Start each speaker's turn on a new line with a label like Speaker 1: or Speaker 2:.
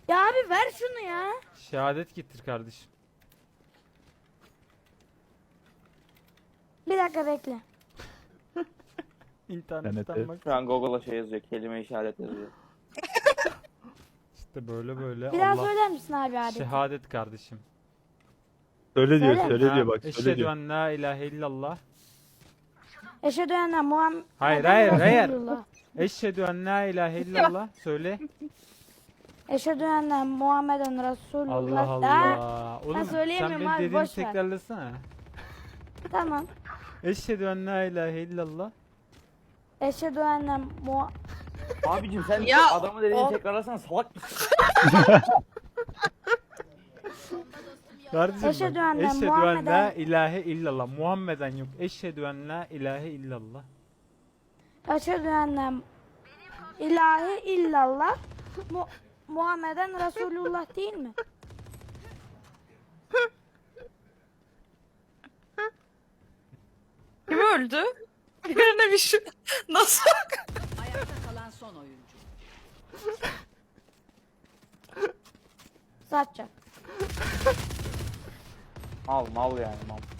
Speaker 1: Ya abi ver şunu ya.
Speaker 2: Şehadet getir kardeşim.
Speaker 1: Bir dakika bekle.
Speaker 2: İnternetten
Speaker 3: TNT.
Speaker 2: bak.
Speaker 4: Şu an Google'a şey yazıyor. Kelime işaret yazıyor.
Speaker 2: İşte böyle
Speaker 1: Bir daha
Speaker 2: Allah.
Speaker 1: söyler misin abi adeti?
Speaker 2: Şehadet kardeşim.
Speaker 3: Söyle diyor,
Speaker 1: Söyle.
Speaker 3: söyle diyor bak, söyle
Speaker 2: Eşhedü
Speaker 3: diyor.
Speaker 2: en la ilahe illallah.
Speaker 1: Eşhedü enne Muhammed
Speaker 2: Hayır, hayır.
Speaker 1: Resulullah.
Speaker 2: Eşhedü en la ilahe illallah. Söyle.
Speaker 1: Eşhedü enne Muhammeden Resulullah.
Speaker 2: Allah
Speaker 1: Da.
Speaker 2: Allah. Oğlum sen
Speaker 1: söyleyemiyorum
Speaker 2: benim
Speaker 1: abi,
Speaker 2: dediğimi
Speaker 1: boş ver.
Speaker 2: tekrarlasana.
Speaker 1: Tamam.
Speaker 2: Eşhedü en la ilahe illallah.
Speaker 1: Eşhedü enne
Speaker 4: Abicim sen
Speaker 5: Ya,
Speaker 4: adamı dediğini
Speaker 5: o-
Speaker 4: tekrarlasana, salak mısın?
Speaker 2: Kardeşim
Speaker 1: Eşhedü
Speaker 2: bak.
Speaker 1: enne
Speaker 2: Eşhedü en
Speaker 1: Muhammeden-
Speaker 2: la ilahe illallah. Muhammeden yok. Eşhedü en la ilahe illallah.
Speaker 1: Eşhedü enne ilahe illallah Muhammeden Resulullah değil mi?
Speaker 5: Kim öldü? Birine bir şey... Nasıl?
Speaker 6: Ayakta kalan son oyuncu.
Speaker 1: Satacak.
Speaker 4: Mal yani mal.